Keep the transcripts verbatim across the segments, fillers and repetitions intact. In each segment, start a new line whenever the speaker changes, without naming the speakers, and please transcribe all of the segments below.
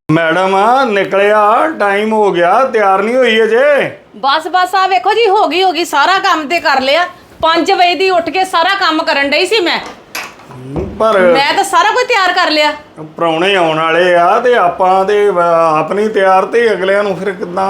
Madam निकलिया time हो गया तैयार नहीं हुई अजे
बस बस आ वेखो जी हो गई हो गई सारा काम ते कर लिया पांच बजे दी उठ के सारा काम करन डई सी मैं
पर
मैं तो सारा कुछ तैयार कर लिया
प्राहुणे आउण वाले आ ते आपां ते आप नहीं तैयार ते अगलियां नूं फिर किदां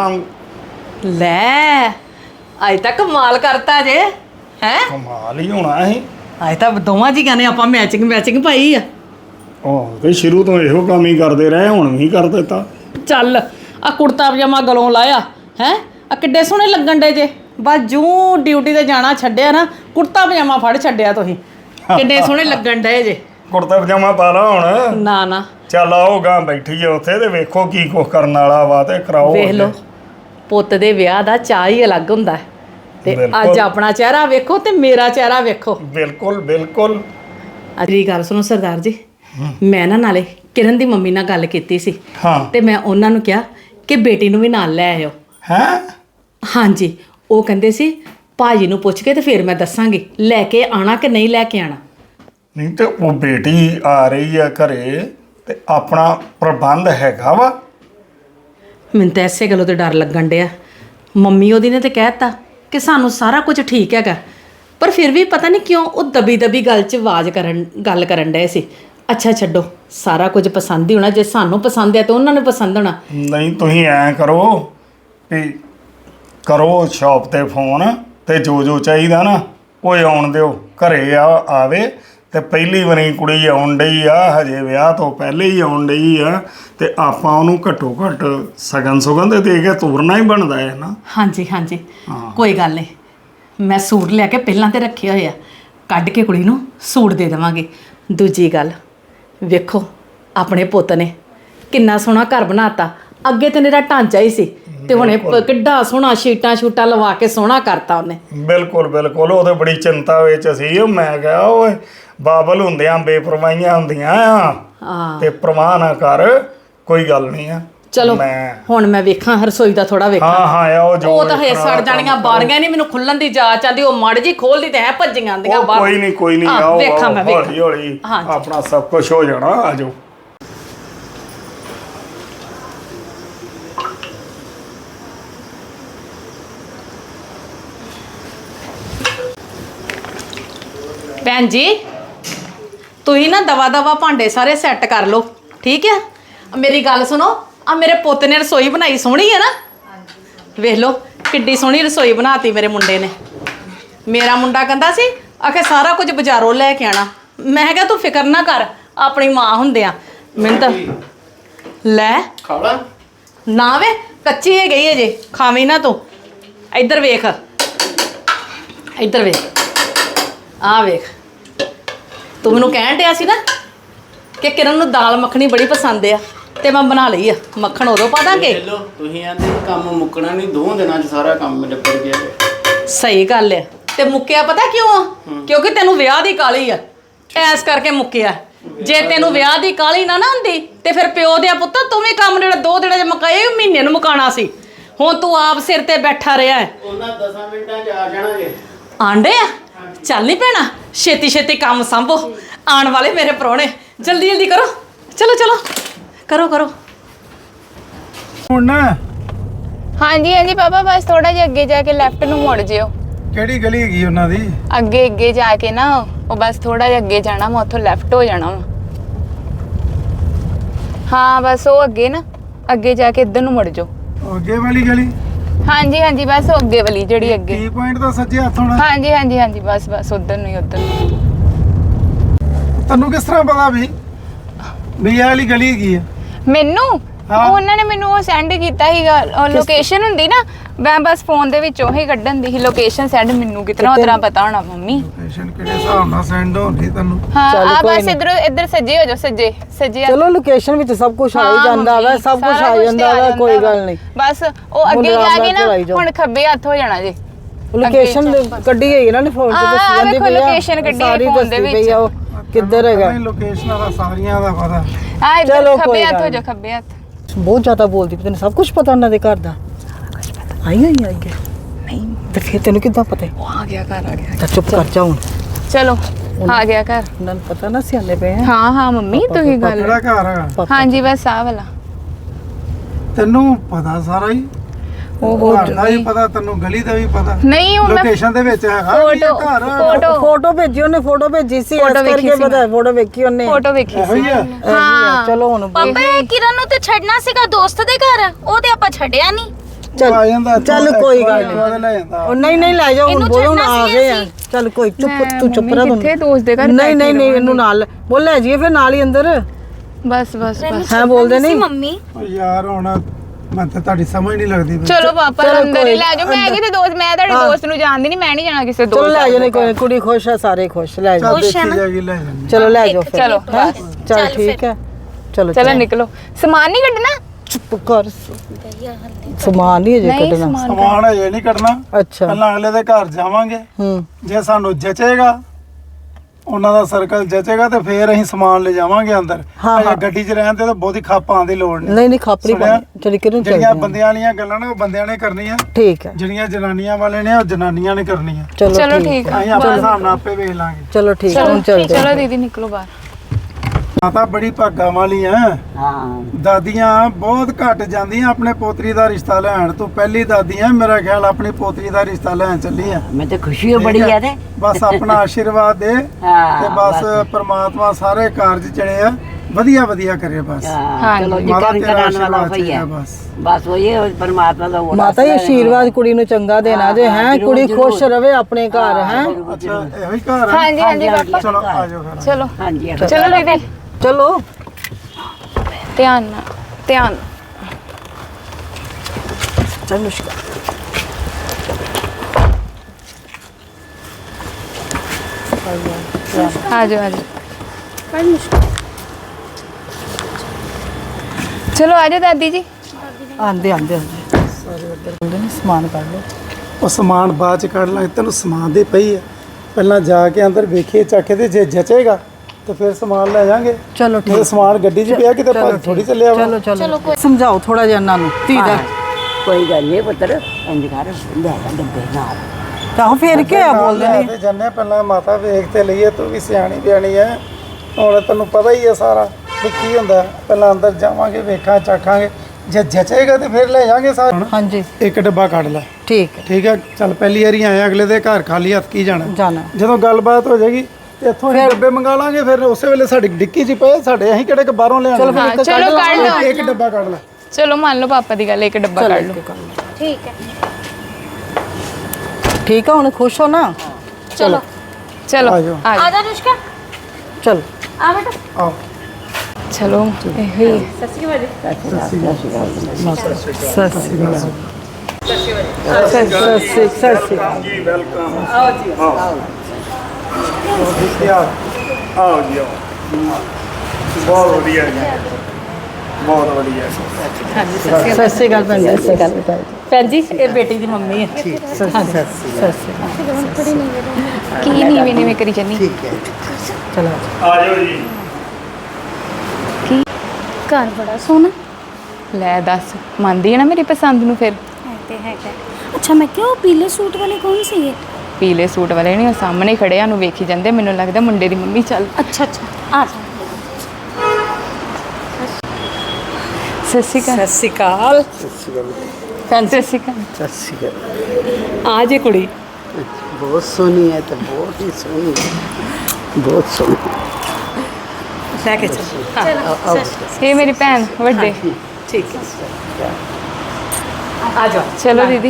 ले अज तक कमाल करता जे हैं
कमाल ही होना है
अज तक दोवां जी ने आपां मैचिंग मैचिंग पाई आ
ਉਹ ਤੇ ਸ਼ੁਰੂ ਤੋਂ ਇਹੋ ਕੰਮ ਹੀ ਕਰਦੇ ਰਹੇ ਹੁਣ ਵੀ ਕਰ ਦਿੱਤਾ
ਚੱਲ ਆ ਕੁੜਤਾ ਪਜਾਮਾ ਗਲੋਂ ਲਾਇਆ ਹੈ ਆ ਕਿੱਡੇ ਸੋਹਣੇ ਲੱਗਣ ਡੇ ਜੇ ਬਸ ਜੂ ਡਿਊਟੀ ਤੇ ਜਾਣਾ ਛੱਡਿਆ ਨਾ ਕੁੜਤਾ ਪਜਾਮਾ ਫੜ ਛੱਡਿਆ ਤੁਸੀਂ ਕਿੱਡੇ ਸੋਹਣੇ ਲੱਗਣ ਡੇ ਜੇ
ਕੁੜਤਾ ਪਜਾਮਾ ਪਾ ਲਾ ਹੁਣ
ਨਾ ਨਾ
ਚੱਲ ਆਓ ਗਾਂ ਬੈਠੀ ਆ ਉੱਥੇ ਤੇ ਵੇਖੋ ਕੀ ਕੁਛ ਕਰਨ ਵਾਲਾ ਵਾ ਤੇ ਕਰਾਓ
ਵੇਖ ਲਓ ਪੁੱਤ ਦੇ ਵਿਆਹ ਦਾ ਚਾਹ ਹੀ ਅਲੱਗ ਹੁੰਦਾ ਤੇ ਅੱਜ ਆਪਣਾ ਚਿਹਰਾ ਵੇਖੋ ਤੇ ਮੇਰਾ ਚਿਹਰਾ ਵੇਖੋ
ਬਿਲਕੁਲ ਬਿਲਕੁਲ
ਅਗਲੀ ਗੱਲ ਸੁਣੋ ਸਰਦਾਰ ਜੀ ਮੈਂ ਨਾ ਨਾਲੇ ਕਿਰਨ ਦੀ ਮੰਮੀ ਨਾਲ ਗੱਲ ਕੀਤੀ ਸੀ
ਹਾਂ
ਤੇ ਮੈਂ ਉਹਨਾਂ ਨੂੰ ਕਿਹਾ ਕਿ ਬੇਟੀ ਨੂੰ ਵੀ ਨਾਲ ਲੈ ਆਇਓ
ਹੈ
ਹਾਂਜੀ ਉਹ ਕਹਿੰਦੇ ਸੀ ਭਾਜੀ ਨੂੰ ਪੁੱਛ ਕੇ ਤੇ ਫਿਰ ਮੈਂ ਦੱਸਾਂਗੀ ਲੈ ਕੇ ਆਣਾ ਕਿ ਨਹੀਂ ਲੈ ਕੇ ਆਣਾ
ਨਹੀਂ ਤੇ ਉਹ ਬੇਟੀ ਆ ਰਹੀ ਆ ਘਰੇ ਤੇ ਆਪਣਾ ਪ੍ਰਬੰਧ ਹੈਗਾ ਵਾ
ਮੈਨੂੰ ਤਾਂ ਐਸੇ ਗੱਲੋਂ ਤੇ ਡਰ ਲੱਗਣ ਡਿਆ ਮੰਮੀ ਉਹਦੀ ਨੇ ਤੇ ਕਹਿਤਾ ਕਿ ਸਾਨੂੰ ਸਾਰਾ ਕੁਝ ਠੀਕ ਹੈਗਾ ਪਰ ਫਿਰ ਵੀ ਪਤਾ ਨਹੀਂ ਕਿਉਂ ਉਹ ਦਬੀ ਦਬੀ ਗੱਲ 'ਚ ਆਵਾਜ਼ ਕਰਨ ਗੱਲ ਕਰਨ ਡਏ ਸੀ ਅੱਛਾ ਛੱਡੋ ਸਾਰਾ ਕੁਝ ਪਸੰਦ ਹੀ ਹੋਣਾ ਜੇ ਸਾਨੂੰ ਪਸੰਦ ਹੈ ਤਾਂ ਉਹਨਾਂ ਨੂੰ ਪਸੰਦ ਹੋਣਾ
ਨਹੀਂ ਤੁਸੀਂ ਐਂ ਕਰੋ ਵੀ ਕਰੋ ਸ਼ਾਪ ਤੇ ਫੋਨ ਤੇ ਜੋ ਜੋ ਚਾਹੀਦਾ ਨਾ ਉਹ ਆਉਣ ਦਿਓ ਘਰੇ ਆ ਆਵੇ ਤੇ ਪਹਿਲੀ ਵਾਰੀ ਕੁੜੀ ਆਉਣ ਡਈ ਆ ਹਜੇ ਵਿਆਹ ਤੋਂ ਪਹਿਲੇ ਹੀ ਆਉਣ ਡਈ ਆ ਤੇ ਆਪਾਂ ਉਹਨੂੰ ਘੱਟੋ ਘੱਟ ਸਗਨ ਸੁਗਨ ਤੇ ਦੇ ਕੇ ਤੋਰਨਾ ਹੀ ਬਣਦਾ ਹੈ ਨਾ
ਹਾਂਜੀ ਹਾਂਜੀ ਕੋਈ ਗੱਲ ਨਹੀਂ ਮੈਂ ਸੂਟ ਲੈ ਕੇ ਪਹਿਲਾਂ ਤੇ ਰੱਖੇ ਹੋਏ ਆ ਕੱਢ ਕੇ ਕੁੜੀ ਨੂੰ ਸੂਟ ਦੇ ਦੇਵਾਂਗੇ ਦੂਜੀ ਗੱਲ ਵੇਖੋ ਆਪਣੇ ਪੁੱਤ ਨੇ ਕਿੰਨਾ ਸੋਹਣਾ ਘਰ ਬਣਾਤਾ ਅੱਗੇ ਤੇ ਮੇਰਾ ਢਾਂਚਾ ਹੀ ਸੀ ਤੇ ਹੁਣੇ ਕਿੱਡਾ ਸੋਹਣਾ ਸ਼ੀਟਾਂ ਸ਼ੂਟਾਂ ਲਵਾ ਕੇ ਸੋਹਣਾ ਕਰਤਾ ਉਹਨੇ
ਬਿਲਕੁਲ ਬਿਲਕੁਲ ਉਹ ਤੇ ਬੜੀ ਚਿੰਤਾ ਵਿੱਚ ਸੀ ਮੈਂ ਕਿਹਾ ਓਏ ਬਾਬਲ ਹੁੰਦਿਆਂ ਬੇਪਰਵਾਹੀਆਂ ਹੁੰਦੀਆਂ ਆ ਤੇ ਪ੍ਰਵਾਹ ਨਾ ਕਰ ਕੋਈ ਗੱਲ ਨਹੀਂ ਆ
ਚਲੋ ਹੁਣ ਮੈਂ ਵੇਖਾਂ ਰਸੋਈ ਦਾ ਥੋੜਾ ਵੇਖਾਂ
ਹਾਂ ਹਾਂ ਆਓ ਜੋ
ਉਹ ਤਾਂ ਹੈ ਸੜ ਜਾਣੀਆਂ ਬਾਰੀਆਂ ਨਹੀਂ ਮੈਨੂੰ ਖੁੱਲਣ ਦੀ ਜਾਚ ਆਂਦੀ ਉਹ ਮੜ ਜੀ ਖੋਲਦੀ ਤੇ ਐ ਭੱਜੀਆਂ ਆਂਦੀਆਂ ਬਾਹਰ
ਕੋਈ ਨਹੀਂ ਕੋਈ ਨਹੀਂ ਆਓ
ਵੇਖਾਂ ਮੈਂ ਵੇਖਾਂ
ਹੌਲੀ ਹੌਲੀ ਆਪਣਾ ਸਭ ਕੁਝ ਹੋ ਜਾਣਾ ਆਜੋ
ਭੈਣ ਜੀ ਤੁਸੀਂ ਨਾ ਦਵਾ ਦਵਾ ਭਾਂਡੇ ਸਾਰੇ ਸੈੱਟ ਕਰ ਲਓ ਠੀਕ ਹੈ ਮੇਰੀ ਗੱਲ ਸੁਣੋ ਆ ਮੇਰੇ ਪੁੱਤ ਨੇ ਰਸੋਈ ਬਣਾਈ ਸੋਹਣੀ ਹੈ ਨਾ ਵੇਖ ਲਓ ਕਿੱਡੀ ਸੋਹਣੀ ਰਸੋਈ ਬਣਾਤੀ ਮੇਰੇ ਮੁੰਡੇ ਨੇ ਮੇਰਾ ਮੁੰਡਾ ਕਹਿੰਦਾ ਸੀ ਆਖੇ ਸਾਰਾ ਕੁਝ ਬਾਜ਼ਾਰੋਂ ਲੈ ਕੇ ਆਣਾ ਮੈਂ ਕਿਹਾ ਤੂੰ ਫਿਕਰ ਨਾ ਕਰ ਆਪਣੀ ਮਾਂ ਹੁੰਦਿਆਂ ਮੈਨੂੰ ਤਾਂ ਲੈ
ਖਾਣਾ
ਨਾ ਵੇ ਕੱਚੀ ਹੈ ਗਈ ਅਜੇ ਖਾਵੀਂ ਨਾ ਤੂੰ ਇੱਧਰ ਵੇਖ ਇੱਧਰ ਵੇਖ ਆ ਵੇਖ ਤੂੰ ਮੈਨੂੰ ਕਹਿਣ ਡਿਆ ਸੀ ਨਾ ਕਿ ਕਿਰਨ ਨੂੰ ਦਾਲ ਮੱਖਣੀ ਬੜੀ ਪਸੰਦ ਆ ਤੇ ਮੈਂ ਬਣਾ ਲਈ ਆ ਮੱਖਣ ਉਦੋਂ ਪਾ ਦਾਂਗੇ
ਚਲੋ ਤੁਸੀਂ ਆਂਦੇ ਕੰਮ ਮੁੱਕਣਾ ਨਹੀਂ ਦੋ ਦਿਨਾਂ 'ਚ ਸਾਰਾ ਕੰਮ ਨਿਬੜ ਗਿਆ
ਸਹੀ ਗੱਲ ਹੈ ਤੇ ਮੁੱਕਿਆ ਪਤਾ ਕਿਉਂ ਆ ਕਿਉਂਕਿ ਤੈਨੂੰ ਵਿਆਹ ਦੀ ਕਾਲੀ ਆ ਐਸ ਕਰਕੇ ਮੁੱਕਿਆ ਜੇ ਤੈਨੂੰ ਵਿਆਹ ਦੀ ਕਾਲੀ ਨਾ ਨਾ ਹੁੰਦੀ ਤੇ ਫਿਰ ਪਿਓ ਦੇ ਪੁੱਤ ਤੂੰ ਵੀ ਕੰਮ ਜਿਹੜਾ ਦੋ ਦਿਨਾਂ 'ਚ ਮੁਕਾਏ ਮਹੀਨੇ ਨੂੰ ਮੁਕਾਣਾ ਸੀ ਹੁਣ ਤੂੰ ਆਪ ਸਿਰ ਤੇ ਬੈਠਾ ਰਿਹਾ ਹੈ
ਉਹਨਾਂ ਦਸਾਂ ਮਿੰਟਾਂ 'ਚ ਆ ਜਾਣਾ ਜੇ
ਆਂਡੇ ਆ ਚੱਲ ਨਹੀਂ ਪੈਣਾ ਛੇਤੀ ਛੇਤੀ ਕੰਮ ਸੰਭੋ ਆਉਣ ਵਾਲੇ ਮੇਰੇ ਪ੍ਰਾਹੁਣੇ ਜਲਦੀ ਜਲਦੀ ਕਰੋ ਚਲੋ ਚਲੋ ਕਰੋ ਕਰੋ
ਹੁਣ
ਹਾਂਜੀ ਹਾਂਜੀ ਪਾਪਾ ਬਸ ਥੋੜਾ ਜਿਹਾ ਅੱਗੇ ਜਾ ਕੇ ਲੈਫਟ ਨੂੰ ਮੁੜ ਜਿਓ
ਕਿਹੜੀ ਗਲੀ ਹੈਗੀ ਉਹਨਾਂ ਦੀ
ਅੱਗੇ ਅੱਗੇ ਜਾ ਕੇ ਨਾ ਉਹ ਬਸ ਥੋੜਾ ਜਿਹਾ ਅੱਗੇ ਜਾਣਾ ਮੈਂ ਉੱਥੋਂ ਲੈਫਟ ਹੋ ਜਾਣਾ ਵਾ ਹਾਂ ਬਸ ਉਹ ਅੱਗੇ ਨਾ ਅੱਗੇ ਜਾ ਕੇ ਇੱਧਰ ਨੂੰ ਮੁੜ ਜਾਓ
ਅੱਗੇ ਵਾਲੀ ਗਲੀ
ਹਾਂਜੀ ਹਾਂਜੀ ਬਸ ਉਹ ਅੱਗੇ ਵਾਲੀ ਜਿਹੜੀ ਅੱਗੇ
ਟੀ ਪੁਆਇੰਟ ਦਾ ਸੱਜੇ ਹੱਥ ਹੋਣਾ
ਹਾਂਜੀ ਹਾਂਜੀ ਹਾਂਜੀ ਬਸ ਬਸ ਉਧਰ ਨੂੰ ਹੀ ਉਧਰ ਨੂੰ
ਤੈਨੂੰ ਕਿਸ ਤਰ੍ਹਾਂ ਪਤਾ ਵੀ ਵੀ ਇਹ ਵਾਲੀ ਗਲੀ ਹੈਗੀ ਆ
ਮੈਨੂੰ ਉਹਨਾਂ ਨੇ ਮੈਨੂੰ ਉਹ ਸੈਂਡ ਕੀਤਾ ਸੀਗਾ ਲੋਕੇਸ਼ਨ ਹੁੰਦੀ ਨਾ ਮੈਂ ਬਸ ਫੋਨ ਦੇ ਵਿੱਚੋਂ ਹੀ ਕੱਢਣ ਦੀ ਸੀ ਲੋਕੇਸ਼ਨ ਸੈਂਡ ਮੈਨੂੰ ਕਿਤਨਾ ਉਤਰਾ ਪਤਾ ਹੋਣਾ ਮੰਮੀ
ਲੋਕੇਸ਼ਨ ਕਿਹੜੇ ਹਿਸਾਬ ਨਾਲ ਸੈਂਡ ਹੁੰਦੀ ਤੈਨੂੰ
ਹਾਂ ਆ ਬਸ ਇਧਰ ਇਧਰ ਸੱਜੇ ਹੋ ਜਾਓ ਸੱਜੇ ਸੱਜੇ
ਚਲੋ ਲੋਕੇਸ਼ਨ ਵਿੱਚ ਸਭ ਕੁਝ ਆ ਹੀ ਜਾਂਦਾ ਵਾ ਸਭ ਕੁਝ ਆ ਜਾਂਦਾ ਵਾ ਕੋਈ ਗੱਲ ਨਹੀਂ
ਬਸ ਉਹ ਅੱਗੇ ਜਾ ਕੇ ਨਾ ਹੁਣ ਖੱਬੇ ਹੱਥ ਹੋ ਜਾਣਾ ਜੀ
ਲੋਕੇਸ਼ਨ ਕੱਢੀ ਗਈ ਇਹਨਾਂ ਨੇ ਫੋਨ ਤੇ ਦੱਸੀ ਜਾਂਦੀ
ਪਈ ਆ ਲੋਕੇਸ਼ਨ ਕੱਢੀ ਫੋਨ ਦੇ ਵਿੱਚ
ਕਿੱਧਰ ਹੈਗਾ
ਲੋਕੇਸ਼ਨਾਂ ਦਾ ਸਾਰੀਆਂ ਦਾ ਪਤਾ
ਹਾਂ ਇਧਰ ਖੱਬੇ ਹੱਥ ਹੋ ਜਾਓ ਖੱਬੇ ਹੱਥ
ਬਹੁਤ ਜ਼ਿਆਦਾ ਬੋਲਦੀ ਤੈਨੂੰ ਸਭ ਕੁਝ ਪਤਾ ਉਹਨਾਂ ਦੇ ਘਰ ਦਾ ਆਈ ਹੋਈ ਆਈ ਗਿਆ ਨਹੀਂ ਤੇ ਫਿਰ ਤੈਨੂੰ ਕਿੱਦਾਂ ਪਤਾ
ਉਹ ਆ ਗਿਆ ਘਰ ਆ ਗਿਆ
ਤਾਂ ਚੁੱਪ ਕਰ ਜਾ ਹੁਣ
ਚਲੋ ਆ ਗਿਆ ਘਰ
ਉਹਨਾਂ ਨੂੰ ਪਤਾ ਨਾ ਸਿਆਣੇ ਪਏ ਆ
ਹਾਂ ਹਾਂ ਮੰਮੀ ਤੁਸੀਂ ਗੱਲ
ਕਿਹੜਾ ਘਰ ਹੈਗਾ
ਹਾਂਜੀ ਬਸ ਆ ਵਾਲਾ
ਤੈਨੂੰ ਪਤਾ ਸਾਰਾ ਹੀ
ਉਹ
ਘਰ ਦਾ ਵੀ ਪਤਾ ਤੈਨੂੰ, ਗਲੀ ਦਾ ਵੀ ਪਤਾ,
ਨਹੀਂ ਉਹ ਮੈਂ
ਲੋਕੇਸ਼ਨ ਦੇ ਵਿੱਚ ਹੈਗਾ ਵੀ ਇਹ
ਫੋਟੋ
ਘਰ
ਫੋਟੋ
ਫੋਟੋ ਭੇਜੀ ਉਹਨੇ, ਫੋਟੋ ਭੇਜੀ ਸੀ, ਇਸ
ਫੋਟੋ ਵੇਖੀ
ਕਰਕੇ
ਸੀ
ਪਤਾ ਫੋਟੋ ਵੇਖੀ ਉਹਨੇ।
ਫੋਟੋ ਵੇਖੀ
ਇਹੋ
ਸੀ
ਹੀ ਆ।
ਹਾਂ
ਚਲੋ ਹੁਣ
ਪਾਪਾ ਇਹ ਕਿਰਨ ਨੂੰ ਤੇ ਛੱਡਣਾ ਸੀਗਾ ਦੋਸਤ ਦੇ ਘਰ, ਉਹ ਤੇ ਆਪਾਂ ਛੱਡਿਆ ਨਹੀਂ।
ਚੱਲ
ਆ ਜਾਂਦਾ
ਚੱਲ
ਇੱਥੋਂ
ਕੋਈ
ਇੱਕ
ਗੱਲ
ਵਾਰ ਉਹਦੇ ਲੈ ਜਾਂਦਾ।
ਉਹ ਨਹੀਂ ਨਹੀਂ ਲੈ ਜਾਓ ਹੁਣ,
ਇਹਨੂੰ
ਬੋਲੋ ਹੁਣ
ਛੱਡਣਾ
ਆ
ਸੀ
ਗਏ ਆ।
ਅਸੀਂ।
ਚੱਲ ਕੋਈ ਚੁੱਪ
ਮੈਂ-
ਤੂੰ ਚੁੱਪ
ਮੰਮੀ
ਰਹਿ
ਕਿੱਥੇ ਦੋਸਤ ਦੇ ਘਰ
ਨਹੀਂ
ਬੈਠੀ
ਨਹੀਂ ਨਹੀਂ
ਰਵਾਂਗੀ।
ਇਹਨੂੰ ਨਾਲ ਬੋਲ ਲੈ ਜਾਈਏ ਫਿਰ ਨਾਲ ਹੀ ਅੰਦਰ।
ਬਸ ਬਸ ਬਸ
ਹੈ ਬੋਲਦੇ ਨਹੀਂ।
ਮੰਮੀ
ਓ ਯਾਰ ਹੁਣ ਮੈਂ ਤਾਂ ਤੁਹਾਡੀ ਸਮਝ ਨਹੀਂ ਲੱਗਦੀ ਪਈ।
ਚਲੋ ਪਾਪਾ
ਚਲੋ
ਅੰਦਰ ਹੀ
ਕੋਈ-
ਲੈ ਜਾਓ। ਮੈਂ ਕਿਤੇ ਦੋਸਤ, ਮੈਂ ਤੁਹਾਡੇ ਦੋਸਤ ਨੂੰ ਜਾਣਦੀ ਨਹੀਂ, ਮੈਂ ਨਹੀਂ ਜਾਣਾ ਕਿਸੇ
ਚਲੋ
ਦੋਸਤ
ਲੈ ਜਾਓ, ਕੋਈ ਕੁੜੀ ਖੁਸ਼ ਹੈ, ਸਾਰੇ ਖੁਸ਼, ਲੈ ਜਾਓ।
ਚੱਲ ਦੇਖੀ ਜਾਏਗੀ, ਲੈ ਜਾਂਦੀ।
ਚਲੋ ਲੈ ਜਾਓ ਫਿਰ।
ਚਲੋ
ਹੈਂ?
ਬਸ
ਚੱਲ ਠੀਕ ਹੈ। ਚਲੋ
ਚਲੋ ਨਿਕਲੋ। ਸਮਾਨ ਨਹੀਂ ਕੱਢਣਾ?
ਚੁੱਪ ਕਰ, ਸਮਾਨ ਨਹੀਂ ਅਜੇ
ਨਹੀਂ
ਕੱਢਣਾ।
ਸਮਾਨ
ਸਮਾਨ ਹਜੇ ਨਹੀਂ ਕੱਢਣਾ,
ਅੱਛਾ
ਪਹਿਲਾਂ ਅਗਲੇ ਦੇ ਘਰ ਜਾਵਾਂਗੇ।
ਹੂੰ
ਜੇ ਸਾਨੂੰ ਜਚੇਗਾ, ਉਹਨਾਂ ਦਾ ਸਰਕਲ ਜਚੇਗਾ ਤੇ ਫੇਰ ਅਸੀਂ ਸਮਾਨ ਲੈ ਜਾਵਾਂਗੇ ਅੰਦਰ।
ਹਾਂ,
ਹਜੇ
ਹਾਂ।
ਗੱਡੀ 'ਚ ਰਹਿਣ ਤੇ ਤਾਂ ਬਹੁਤੀ ਖਾਪਾਂ ਦੀ ਲੋੜ ਨਹੀਂ।
ਨਹੀਂ ਨਹੀਂ ਖਾਪਰੀ
ਸੁਣਿਆ?
ਪਾਣੀ ਚਲੀ ਕਿਰਨ ਚੱਲ
ਜਿਹੜੀਆਂ ਬੰਦਿਆਂ ਵਾਲੀਆਂ ਗੱਲਾਂ ਨੇ ਉਹ ਬੰਦਿਆਂ ਨੇ ਕਰਨੀਆਂ,
ਠੀਕ ਹੈ।
ਜਿਹੜੀਆਂ ਜਨਾਨੀਆਂ ਵਾਲੇ ਨੇ ਉਹ ਜਨਾਨੀਆਂ ਨੇ ਕਰਨੀਆਂ।
ਚਲੋ
ਚਲੋ
ਠੀਕ
ਠੀਕ
ਅਸੀਂ ਆਪਣੇ ਹਿਸਾਬ ਨਾਲ ਆਪੇ ਵੇਖ ਲਾਂਗੇ।
ਚਲੋ ਠੀਕ ਹੈ, ਹੁਣ ਚੱਲਦੇ
ਚਲੋ
ਹਾਂ।
ਦੀਦੀ ਨਿਕਲੋ ਬਾਹਰ।
ਮਾਤਾ ਬੜੀ ਭਾਗਾਂ ਵਾਲੀ ਆ।
ਹਾਂ
ਦਾਦੀਆਂ ਬਹੁਤ ਘੱਟ ਜਾਂਦੀਆਂ ਆਪਣੇ ਪੋਤਰੀ ਦਾ ਰਿਸ਼ਤਾ ਲੈਣ। ਤੂੰ ਪਹਿਲੀ ਦਾਦੀ ਆ, ਮੇਰਾ ਖਿਆਲ ਆਪਣੀ ਪੋਤਰੀ ਦਾ ਰਿਸ਼ਤਾ ਲੈਣ ਚੱਲੀ ਆ।
ਮੈਂ ਤਾਂ ਖੁਸ਼ੀ ਹੋ ਬੜੀ ਆ ਤੇ
ਬਸ ਆਪਣਾ ਆਸ਼ੀਰਵਾਦ ਦੇ
ਹਾਂ,
ਤੇ ਬਸ ਪ੍ਰਮਾਤਮਾ ਸਾਰੇ ਕਾਰਜ ਜਿਹੜੇ ਆ ਵਧੀਆ ਵਧੀਆ ਕਰੇ ਬਸ।
ਹਾਂ
ਹਾਂ,
ਚਲੋ
ਮਾਤਾ
ਜਿੱਕਣ
ਤੇਰਾ
ਕਰਨ ਵਾਲਾ
ਆਸ਼ੀਰਵਾਦ
ਹੋਈ ਹੈ
ਚਾਹੀਦਾ ਬਸ।
ਬਸ ਉਹ ਇਹ ਪਰਮਾਤਮਾ ਦਾ ਹੋਰ
ਮਾਤਾ ਜੀ ਆਸ਼ੀਰਵਾਦ ਕੁੜੀ ਨੂੰ ਚੰਗਾ ਦੇਣਾ ਜੇ ਹੈ,
ਜ਼ਰੂਰ,
ਕੁੜੀ
ਜ਼ਰੂਰ।
ਖੁਸ਼ ਰਵੇ ਆਪਣੇ ਘਰ ਹੈ।
ਅੱਛਾ ਇਹੋ ਹੀ ਘਰ ਆ?
ਹਾਂਜੀ ਹਾਂਜੀ ਪਾਪਾ
ਚਲੋ ਆ ਜਾਓ ਫਿਰ।
ਚਲੋ
ਹਾਂਜੀ
ਚਲੋ ਦੀਦੀ
ਚਲੋ
ਧਿਆਨ ਨਾਲ ਧਿਆਨ।
ਚੱਲ ਮੁਸ਼ਕਿਲ
ਆ ਜਾਓ ਆ ਜਾਓ। ਚਲੋ ਆ ਜਾਓ ਦਾਦੀ ਜੀ।
ਆਂਦੇ ਆਂਦੇ ਆਂਦੇ ਸਾਰੇ ਉੱਧਰ ਬੋਲਦੇ ਨੇ ਸਮਾਨ ਕੱਢ ਲਓ।
ਉਹ ਸਮਾਨ ਬਾਅਦ ਚ ਕੱਢ ਲਾਂਗੇ, ਤੈਨੂੰ ਸਮਾਨ ਦੇ ਪਈ ਆ। ਪਹਿਲਾਂ ਜਾ ਕੇ ਅੰਦਰ ਵੇਖੀਏ ਚੱਕ ਕੇ ਤੇ ਜੇ ਜਚੇਗਾ ਤੇ ਫਿਰ ਸਮਾਨ ਲੈ ਜਾਾਂਗੇ।
ਚਲੋ
ਇਹ ਸਮਾਨ ਗੱਡੀ 'ਚ ਪਿਆ ਕਿਤੇ ਭੱਜ ਥੋੜੀ ਚੱਲਿਆ ਵਾ।
ਚਲੋ ਚਲੋ ਸਮਝਾਓ ਥੋੜਾ ਜਿਹਾ ਇਹਨਾਂ ਨੂੰ ਧੀ ਦਾ।
ਕੋਈ ਗੱਲ ਨਹੀਂ ਪੁੱਤਰ ਇੰਜ ਕਰ ਲੈ ਆ ਡੱਬੇ ਨਾਲ।
ਤਾਂ ਫੇਰ ਕੀ ਆ ਬੋਲਦੇ
ਲੈ
ਨੇ।
ਤੇ ਜੰਨੇ ਪਹਿਲਾਂ ਮਾਤਾ ਵੇਖ ਤੇ ਲਈਏ, ਤੂੰ ਵੀ ਸਿਆਣੀ ਬਿਆਣੀ ਐ। ਹੁਣ ਤੈਨੂੰ ਪਤਾ ਹੀ ਹੈ ਸਾਰਾ ਵੀ ਕੀ ਹੁੰਦਾ। ਪਹਿਲਾਂ ਅੰਦਰ ਜਾਵਾਂਗੇ, ਵੇਖਾਂ ਚਾਖਾਂਗੇ, ਜੇ ਜਚੇਗਾ ਤੇ ਫਿਰ ਲੈ ਜਾਾਂਗੇ ਸਾਰਾ।
ਹਾਂਜੀ
ਇੱਕ ਡੱਬਾ ਕੱਢ ਲੈ।
ਠੀਕ ਹੈ,
ਠੀਕ ਹੈ, ਚੱਲ ਪਹਿਲੀ ਵਾਰੀ ਆਇਆ, ਅਗਲੇ ਦੇ ਘਰ ਖਾਲੀ ਹੱਥ ਕੀ ਜਾਣਾ।
ਜਾਣਾ
ਜਦੋਂ ਗੱਲਬਾਤ ਹੋ ਜਾਏਗੀ ਤੇ ਇੱਥੋਂ ਅਸੀਂ ਡੱਬੇ ਮੰਗਾ ਲਾਂਗੇ। ਫਿਰ ਉਸੇ ਵੇਲੇ ਸਾਡੀ ਡਿੱਕੀ 'ਚ ਪਏ ਸਾਡੇ, ਅਸੀਂ ਕਿਹੜੇ ਕਿ ਬਾਹਰੋਂ ਲਿਆਣੇ।
ਚਲੋ ਫਿਰ
ਹਾਂ
ਇੱਕ
ਚਲੋ ਕੱਢ ਲਓ।
ਇੱਕ ਡੱਬਾ ਕੱਢ ਲੈ।
ਚਲੋ ਮੰਨ ਲਓ ਪਾਪਾ ਦੀ ਗੱਲ, ਇੱਕ ਡੱਬਾ ਕੱਢ ਲਓ।
ਠੀਕ ਹੈ
ਠੀਕ ਆ, ਹੁਣ ਖੁਸ਼ ਹੋ ਨਾ।
ਚਲੋ
ਚਲੋ
ਆ ਜਾਓ।
ਆ
ਆ
ਜਾਓ।
ਜਾ ਰੁਸ਼ਕਾ,
ਚਲ
ਆ ਬੇਟਾ।
ਆਓ
ਚਲੋ ਇਹੋ ਹੀ
ਸਤਿ ਸ਼੍ਰੀ ਅਕਾਲ ਸਤਿ ਸ਼੍ਰੀ ਅਕਾਲ।
ਜੀ ਵੈਲਕਮ। ਆਓ ਜੀ ਆਓ। ਆਓ ਜੀ ਆਓ। ਬਹੁਤ ਵਧੀਆ ਜੀ, ਬਹੁਤ ਵਧੀਆ।
ਸਤਿ ਸ਼੍ਰੀ ਅਕਾਲ ਭੈਣ ਜੀ। ਸਤਿ ਸ਼੍ਰੀ ਅਕਾਲ
ਭੈਣ ਜੀ ਇਹ ਬੇਟੀ ਦੀ ਮੰਮੀ ਹੈ।
ਸਤਿ ਸ਼੍ਰੀ ਅਕਾਲ।
ਕੀ ਨੀਵੇਂ ਨੀਵੇਂ ਕਰੀ ਜੰਨੀ।
ਚਲੋ
ਆ ਜਾਓ ਜੀ।
ਘਰ ਬੜਾ ਸੋਹਣਾ
ਲੈ ਦੱਸ ਮੰਨਦੀ ਹੈ ਨਾ ਮੇਰੀ ਪਸੰਦ ਨੂੰ। ਫਿਰ
ਹੈ ਤੇ ਹੈਗਾ। ਅੱਛਾ ਮੈਂ ਕਿਹਾ ਉਹ ਪੀਲੇ ਸੂਟ ਵਾਲੇ ਕੌਣ ਸੀ?
ਪੀਲੇ ਸੂਟ ਵਾਲੇ ਨਹੀਂ, ਉਹ ਸਾਹਮਣੇ ਖੜੇ ਆ ਨੂੰ ਵੇਖੀ ਜਾਂਦੇ। ਮੈਨੂੰ ਲੱਗਦਾ ਮੁੰਡੇ ਦੀ ਮੰਮੀ। ਚੱਲ
ਅੱਛਾ ਅੱਛਾ ਆ ਜਾ।
ਸਤਿ ਸ਼੍ਰੀ ਅਕਾਲ।
ਸਤਿ ਸ਼੍ਰੀ ਅਕਾਲ।
ਭੈਣ ਸਤਿ ਸ਼੍ਰੀ ਅਕਾਲ।
ਸਤਿ ਸ਼੍ਰੀ ਅਕਾਲ।
ਆ ਜੇ ਕੁੜੀ
ਬਹੁਤ ਸੋਹਣੀ ਹੈ ਤੇ ਬਹੁਤ ਹੀ ਸੋਹਣੀ ਹੈ, ਬਹੁਤ ਸੋਹਣੀ।
ਲੈ ਕੇ ਚੱਲ।
ਇਹ ਮੇਰੀ ਭੈਣ ਵੱਡੇ।
ਠੀਕ ਹੈ ਆ ਜਾਓ।
ਚਲੋ ਦੀਦੀ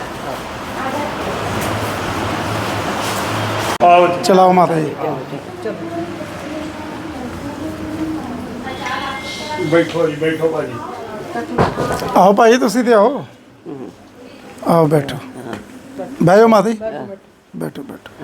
ਆਓ ਜੀ।
ਚਲਾਓ ਮਾਤਾ ਜੀ।
ਬੈਠੋ ਜੀ, ਬੈਠੋ ਭਾਜੀ।
ਆਓ ਭਾਈ ਤੁਸੀਂ ਤੇ ਆਓ। ਆਓ ਬੈਠੋ, ਬਹਿ ਜਾਓ ਮਾਤਾ ਜੀ। ਬੈਠੋ ਬੈਠੋ।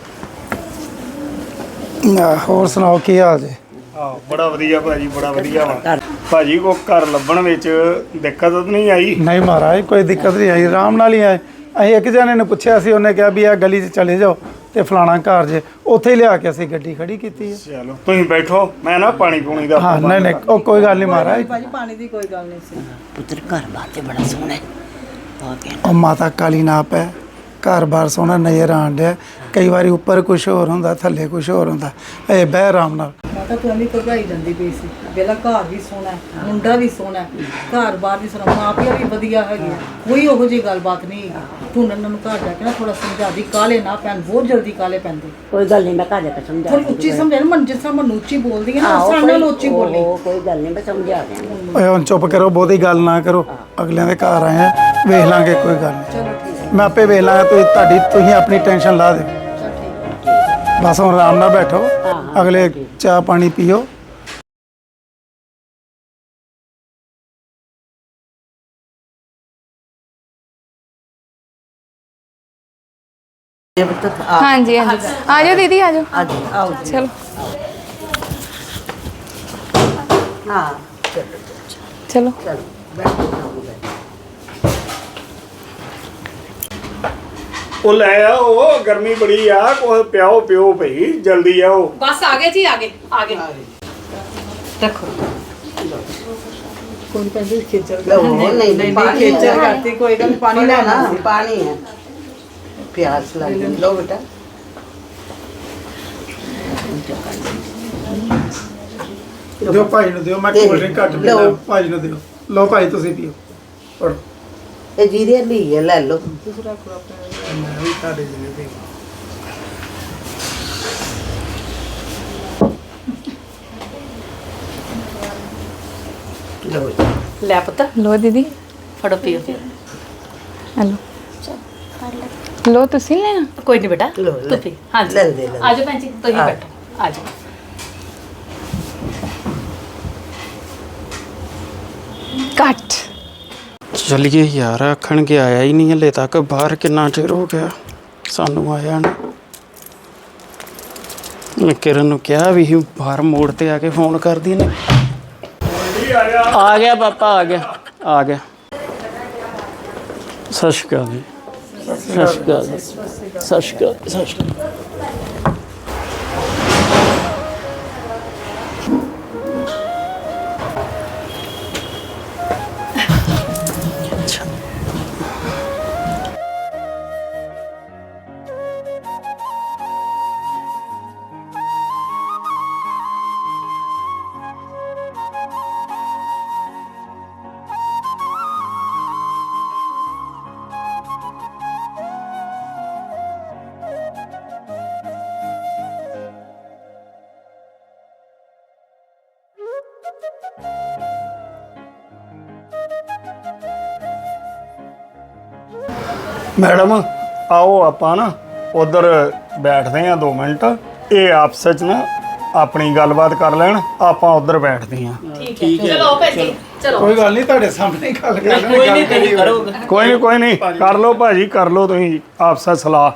ਆ, ਹੋਰ ਸੁਣਾਓ ਕੀ ਹਾਲ ਜੀ?
ਆਹ ਬੜਾ ਵਧੀਆ ਭਾਜੀ, ਬੜਾ ਵਧੀਆ ਵਾ ਭਾਜੀ। ਕੋ ਘਰ ਲੱਭਣ ਵਿੱਚ ਦਿੱਕਤ ਤਾਂ ਨਹੀਂ ਆਈ?
ਨਹੀਂ ਮਹਾਰਾਜ ਕੋਈ ਦਿੱਕਤ ਨਹੀਂ ਆਈ, ਆਰਾਮ ਨਾਲ ਹੀ ਆਏ। ਅਸੀਂ ਇੱਕ ਜਣੇ ਨੂੰ ਪੁੱਛਿਆ ਸੀ, ਉਹਨੇ ਕਿਹਾ ਵੀ ਇਹ ਗਲੀ 'ਚ ਚਲੇ ਜਾਓ ਤੇ ਫਲਾਣਾ ਘਰ ਜੇ, ਉੱਥੇ ਹੀ ਲਿਆ ਕੇ ਅਸੀਂ ਗੱਡੀ ਖੜੀ ਕੀਤੀ ਹੈ।
ਚਲੋ ਤੁਸੀਂ ਬੈਠੋ, ਮੈਂ ਨਾ ਪਾਣੀ ਪੂਣੀ ਦਾ
ਹਾਂ ਨਹੀਂ ਨਹੀਂ ਉਹ ਕੋਈ ਗੱਲ ਨਹੀਂ ਮਹਾਰਾਜ।
ਭਾਜੀ ਪਾਣੀ ਦੀ ਕੋਈ ਗੱਲ ਨਹੀਂ ਸੀ।
ਪੁੱਤਰ ਘਰ ਬਾਰ ਤੇ ਬੜਾ ਸੋਹਣਾ ਹੈ, ਬਹੁਤ ਹੈ।
ਉਹ ਮਾਤਾ ਕਾਲੀ ਨਾਪ ਹੈ, ਘਰ-ਬਾਰ ਸੋਹਣਾ ਨਜ਼ਰ ਆਉਣ ਡਿਆ। ਕਈ ਵਾਰੀ ਉੱਪਰ ਕੁਝ ਹੋਰ ਹੁੰਦਾ, ਥੱਲੇ ਕੁਝ ਹੋਰ ਹੁੰਦਾ। ਇਹ ਬਹਿ ਆਰਾਮ ਨਾਲ।
ਮਾਤਾ ਤੂੰ ਐਵੇਂ ਘਬਰਾਈ ਜਾਂਦੀ ਪਈ ਸੀ ਵੇਲਾ ਘਰ ਵੀ ਸੋਹਣਾ ਹੈ, ਮੁੰਡਾ ਵੀ ਸੋਹਣਾ ਹੈ, ਘਰ ਬਾਹਰ ਵੀ ਸੋਹਣਾ, ਮਾਂ ਪਿਓ ਵੀ ਵਧੀਆ ਹੈਗੇ ਆ, ਕੋਈ ਉਹੋ ਜਿਹੀ ਗੱਲਬਾਤ ਨਹੀਂ ਹੈਗੀ। ਤੂੰ ਉਹਨਾਂ ਨੂੰ ਘਰ ਜਾ ਕੇ ਨਾ ਥੋੜਾ ਸਮਝਾ ਦੀ, ਕਾਲੇ ਨਾ ਪੈਣ, ਬਹੁਤ ਜਲਦੀ ਕਾਲੇ ਪੈਂਦੇ।
ਕੋਈ ਗੱਲ ਨਹੀਂ, ਮੈਂ ਘਰ ਜਾ ਕੇ ਸਮਝਾ
ਥੋੜੀ ਉੱਚੀ ਸਮਝਾ ਨਾ, ਮਨ ਜਿਸ ਤਰ੍ਹਾਂ ਮਨ ਉੱਚੀ ਬੋਲਦੀ ਹੈ ਨਾ ਉਸ ਤਰ੍ਹਾਂ ਨਾਲ ਉੱਚੀ ਬੋਲੀ।
ਕੋਈ ਗੱਲ ਨਹੀਂ, ਮੈਂ ਸਮਝਾ ਦਿਆਂਗੀ।
ਓਏ ਹੁਣ ਚੁੱਪ ਕਰੋ, ਬਹੁਤੀ ਗੱਲ ਨਾ ਕਰੋ, ਅਗਲਿਆਂ ਦੇ ਘਰ ਆਏ ਆ, ਵੇਖ ਲਾਂਗੇ, ਕੋਈ ਗੱਲ ਨਹੀਂ।
ਚਲੋ ਠੀਕ ਹੈ,
ਮੈਂ ਆਪੇ ਵੇਖ ਲਾਂਗਾ, ਤੁਸੀਂ ਤੁਹਾਡੀ ਤੁਸੀਂ ਆਪਣੀ ਟੈਨਸ਼ਨ ਲਾ ਦਿਓ।
ਚਲ ਠੀਕ ਹੈ।
ਬਸ ਹੁਣ ਆਰਾਮ ਨਾਲ ਬੈਠੋ, ਅਗਲੇ ਚਾਹ ਪਾਣੀ ਪੀਓ।
ਹਾਂਜੀ ਹਾਂਜੀ ਆ ਜਾਓ ਦੀਦੀ ਆ ਜਾਓ
ਅੱਜ ਆਓ ਜੀ।
ਚਲੋ
ਹਾਂ
ਚਲੋ
ਚਲੋ ਬੈਠੋ ਜਾਓ।
ਉਹ ਲੈ ਆਓ, ਗਰਮੀ ਬੜੀ ਆ, ਕੋਈ ਪਿਆਓ ਪਿਓ ਭਈ, ਜਲਦੀ ਆਓ।
ਬਸ ਆ ਗਏ ਜੀ, ਆ ਗਏ ਆ ਗਏ ਰੱਖੋ।
ਕੋਈ ਕਹਿੰਦੇ ਖੇਚਲ
ਲਓ, ਨਹੀਂ ਨਹੀਂ ਪਾਣੀ
ਖੇਚਲ ਕਰਤੀ, ਕੋਈ ਗੱਲ ਨੀ, ਪਾਣੀ ਲੈਣਾ ਸੀ।
ਪਾਣੀ ਹੈ, ਪਿਆਸ ਲੱਗ ਗਈ। ਲਓ ਬੇਟਾ,
ਦਿਓ ਭਾਈ ਨੂੰ ਦਿਓ, ਮੈਂ ਕੋਲਡ ਡਰਿੰਕ ਘੱਟ ਪੀਂਦਾ, ਭਾਈ ਨੂੰ ਦਿਓ। ਲਓ ਭਾਈ ਤੁਸੀਂ ਪੀਓ, ਪੜੋ।
ਇਹ ਜੀਰੇ ਲਈ ਹੈ, ਲੈ ਲਓ।
ਮੈਂ ਵੀ ਤੁਹਾਡੇ ਜਿਵੇਂ ਪੀ
ਲਓ ਜੀ।
ਲੈ ਪੁੱਤ
ਲੋ ਦੀਦੀ
ਫੜੋ ਪੀਓ।
ਹਲੋ ਲੋ ਤੁਸੀਂ ਲੈਣਾ
ਕੋਈ ਨਹੀਂ ਬੇਟਾ,
ਲਓ, ਲੈ।
ਤੂੰ ਪੀ। ਹਾਂਜੀ
ਲੈ ਦੇ, ਲੈ ਦੇ।
ਆ ਜਾਓ ਭੈਣ ਜੀ, ਤੁਸੀਂ
ਆ।
ਬੈਠੋ, ਆ ਜਾਓ।
ਕੱਟ
ਚੱਲੀਏ ਯਾਰ, ਆਖਣ ਕੇ ਆਇਆ ਹੀ ਨਹੀਂ ਹਲੇ ਤੱਕ, ਬਾਹਰ ਕਿੰਨਾ ਚਿਰ ਹੋ ਗਿਆ ਸਾਨੂੰ ਆਇਆ ਨਾ। ਮੈਂ ਕਿਰਨ ਨੂੰ ਕਿਹਾ ਵੀ ਸੀ ਬਾਹਰ ਮੋੜ ਤੇ ਆ ਕੇ ਫੋਨ ਕਰਦੀ ਨੇ। ਆ ਗਿਆ ਪਾਪਾ, ਆ ਗਿਆ ਆ ਗਿਆ। ਸਤਿ ਸ਼੍ਰੀ ਅਕਾਲ ਜੀ। ਸਤਿ ਸ਼੍ਰੀ ਅਕਾਲ ਜੀ। ਸਤਿ ਸ਼੍ਰੀ ਅਕਾਲ, ਸਤਿ ਸ਼੍ਰੀ ਅਕਾਲ।
ਮੈਡਮ ਆਓ, ਆਪਾਂ ਨਾ ਉਧਰ ਬੈਠਦੇ ਆ ਦੋ ਮਿੰਟ, ਇਹ ਆਪਸ ਵਿੱਚ ਨਾ ਆਪਣੀ ਗੱਲਬਾਤ ਕਰ ਲੈਣ, ਆਪਾਂ ਉਧਰ ਬੈਠਦੇ ਆ।
ਠੀਕ ਹੈ, ਚਲੋ ਭੈਣ ਜੀ, ਚਲੋ।
ਕੋਈ ਗੱਲ ਨਹੀਂ, ਤੁਹਾਡੇ ਸਾਹਮਣੇ ਗੱਲ ਕਰ ਲੈਣੀ।
ਕੋਈ ਨਹੀਂ, ਤੁਸੀਂ ਕਰੋਗੇ।
ਕੋਈ ਨਹੀਂ ਕੋਈ ਨਹੀਂ, ਕਰ ਲਓ ਭਾਜੀ, ਕਰ ਲਓ ਤੁਸੀਂ ਆਪਸ ਵਿੱਚ ਸਲਾਹ।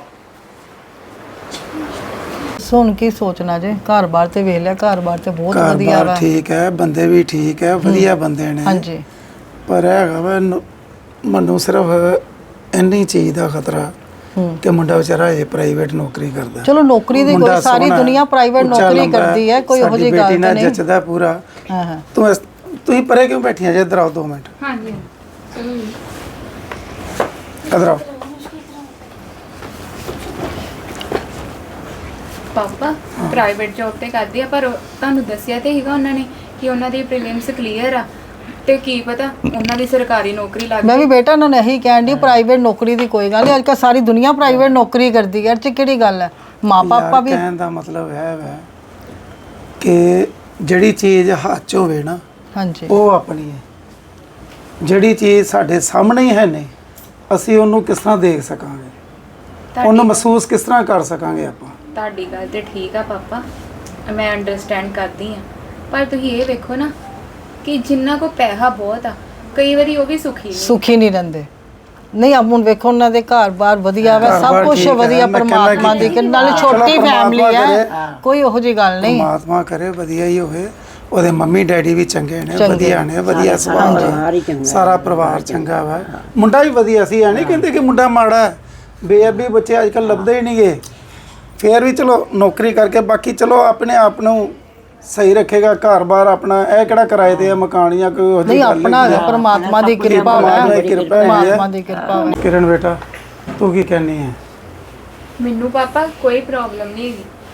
ਸੁਣ ਕੀ ਸੋਚਣਾ ਜੇ, ਘਰ-ਬਾਰ ਤੇ ਵੇਖ ਲਿਆ, ਘਰ-ਬਾਰ ਤੇ ਬਹੁਤ ਵਧੀਆ
ਘਰ-ਬਾਰ
ਵਾ।
ਠੀਕ ਹੈ, ਬੰਦੇ ਵੀ ਠੀਕ ਹੈ, ਵਧੀਆ ਬੰਦੇ ਨੇ।
ਹਾਂਜੀ
ਪਰ ਹੈਗਾ ਵਾ ਮੈਨੂੰ ਸਿਰਫ ਇੰਨੀ ਚੀਜ਼ ਦਾ ਖਤਰਾ ਕਿ ਮੁੰਡਾ ਵਿਚਾਰਾ ਇਹ ਪ੍ਰਾਈਵੇਟ ਨੌਕਰੀ ਕਰਦਾ।
ਚਲੋ ਨੌਕਰੀ ਦੀ
ਮੁੰਡਾ
ਕੋਈ ਸਾਰੀ
ਸੋਹਣਾ,
ਦੁਨੀਆ ਪ੍ਰਾਈਵੇਟ
ਉੱਚਾ
ਨੌਕਰੀ
ਲੰਬਾ
ਕਰਦੀ ਹੈ, ਕੋਈ ਉਹੋ ਜਿਹੀ
ਸਾਡੀ
ਗੱਲ
ਬੇਟੀ
ਤਾਂ
ਨਾਲ
ਨਹੀਂ।
ਜੱਚਦਾ ਪੂਰਾ।
ਹਾਂ ਹਾਂ
ਤੂੰ ਇਸ- ਤੁਸੀਂ ਪਰੇ ਕਿਉਂ ਬੈਠੀਆਂ ਜੇ? ਇੱਧਰ ਆਓ ਦੋ ਮਿੰਟ,
ਹਾਂਜੀ ਚਲੋ ਜੀ।
ਇੱਧਰ ਆਓ।
ਪਾਪਾ ਪ੍ਰਾਈਵੇਟ ਜੌਬ ਤੇ ਕਰਦੀ ਆ, ਪਰ ਉਹ- ਤੁਹਾਨੂੰ ਦੱਸਿਆ ਤੇ ਹੈਗਾ ਉਹਨਾਂ ਨੇ ਕਿ ਉਹਨਾਂ ਦੀ ਪ੍ਰੀਲਿਮਸ ਕਲੀਅਰ ਆ, ਤੇ ਕੀ ਪਤਾ ਉਹਨਾਂ ਦੀ ਸਰਕਾਰੀ ਨੌਕਰੀ ਲੱਗ
ਮੈਂ ਵੀ
ਜਾਏ।
ਬੇਟਾ ਉਹਨਾਂ ਨੇ ਇਹੀ ਕਹਿਣ ਦੀ, ਪ੍ਰਾਈਵੇਟ ਨੌਕਰੀ ਦੀ ਕੋਈ ਗੱਲ ਨਹੀਂ, ਅੱਜ ਕੱਲ੍ਹ ਸਾਰੀ ਦੁਨੀਆ ਪ੍ਰਾਈਵੇਟ ਨੌਕਰੀ ਕਰਦੀ ਹੈ, ਇਹ 'ਚ ਕਿਹੜੀ ਗੱਲ ਹੈ। ਮਾਂ ਪਾਪਾ
ਯਾਰ,
ਵੀ
ਕਹਿਣ ਦਾ ਮਤਲਬ ਹੈ ਵੈ ਕਿ ਜਿਹੜੀ ਚੀਜ਼ ਹੱਥ 'ਚ ਹੋਵੇ ਨਾ,
ਹਾਂਜੀ
ਉਹ ਆਪਣੀ ਹੈ। ਜਿਹੜੀ ਚੀਜ਼ ਸਾਡੇ ਸਾਹਮਣੇ ਹੀ ਹੈ ਨਹੀਂ, ਅਸੀਂ ਉਹਨੂੰ ਕਿਸ ਤਰ੍ਹਾਂ ਦੇਖ ਸਕਾਂਗੇ,
ਤੁਹਾਡੀ-
ਉਹਨੂੰ ਮਹਿਸੂਸ ਕਿਸ ਤਰ੍ਹਾਂ ਕਰ ਸਕਾਂਗੇ ਆਪਾਂ।
ਤੁਹਾਡੀ ਗੱਲ ਤੇ ਠੀਕ ਆ ਪਾਪਾ, ਮੈਂ ਅੰਡਰਸਟੈਂਡ ਕਰਦੀ ਆ, ਪਰ ਤੁਸੀਂ ਇਹ ਵੇਖੋ ਨਾ ਕਿ ਜਿੰਨਾ ਕੋ ਪੈਸਾ ਬਹੁਤ ਆ, ਕਈ ਵਾਰੀ ਉਹ ਵੀ ਸੁਖੀ ਨਹੀਂ।
ਸੁਖੀ ਨਹੀਂ ਰਹਿੰਦੇ। ਨਹੀਂ ਆਪ ਹੁਣ ਵੇਖੋ ਉਹਨਾਂ ਦੇ ਘਰ-ਬਾਰ ਵਧੀਆ ਵਾ, ਸਭ
ਘਰ-ਬਾਰ
ਕੁਝ
ਠੀਕ ਹੈ,
ਵਧੀਆ,
ਮੈਂ ਕਹਿੰਦਾ
ਪਰਮਾਤਮਾ ਦੀ
ਕਿ-
ਕਿ ਨਾਲੇ
ਚਲੋ
ਛੋਟੀ
ਪਰਮਾਤਮਾ
ਫੈਮਿਲੀ ਹੈ,
ਕਰੇ।
ਕੋਈ ਉਹੋ ਜਿਹੀ ਗੱਲ ਨਹੀਂ।
ਪਰਮਾਤਮਾ ਕਰੇ ਵਧੀਆ ਹੀ ਹੋਵੇ, ਉਹਦੇ ਮੰਮੀ ਡੈਡੀ ਵੀ ਚੰਗੇ ਨੇ,
ਚੰਗੇ।
ਵਧੀਆ ਨੇ, ਵਧੀਆ ਸੁਭਾਅ
ਪਰਿਵਾਰ ਹੀ
ਦਾ,
ਚੰਗਾ
ਸਾਰਾ ਪਰਿਵਾਰ ਚੰਗਾ ਵਾ। ਮੁੰਡਾ ਵੀ ਵਧੀਆ ਸੀ, ਐ ਨਹੀਂ ਕਹਿੰਦੇ ਕਿ ਮੁੰਡਾ ਮਾੜਾ ਹੈ। ਬੇਅਬੀ ਬੱਚੇ ਅੱਜ ਕੱਲ੍ਹ ਲੱਭਦੇ ਹੀ ਨਹੀਂਗੇ। ਫੇਰ ਵੀ ਚਲੋ ਨੌਕਰੀ ਕਰਕੇ, ਬਾਕੀ ਚਲੋ ਆਪਣੇ ਆਪ ਨੂੰ ਸਹੀ ਰੱਖੇਗਾ, ਘਰ-ਬਾਰ ਆਪਣਾ। ਇਹ ਕਿਹੜਾ ਕਿਰਾਏ ਤੇ ਆ ਮਕਾਨ ਜਾਂ ਕੋਈ ਉਹਦੀ
ਨਹੀਂ
ਗੱਲ
ਆਪਣਾ
ਨਹੀਂ।
ਪਰਮਾਤਮਾ ਦੀ ਕਿਰਪਾ
ਪਰਮਾਤਮਾ
ਹੈ,
ਦੀ ਕਿਰਪਾ ਹੈਗੀ
ਪਰਮਾਤਮਾ
ਹੈ।
ਦੀ ਕਿਰਪਾ ਹੈ।
ਕਿਰਨ ਬੇਟਾ, ਤੂੰ ਕੀ ਕਹਿੰਦੀ ਹੈ?
ਮੈਨੂੰ ਪਾਪਾ ਕੋਈ ਪ੍ਰੋਬਲਮ ਨਹੀਂ ਹੈਗੀ,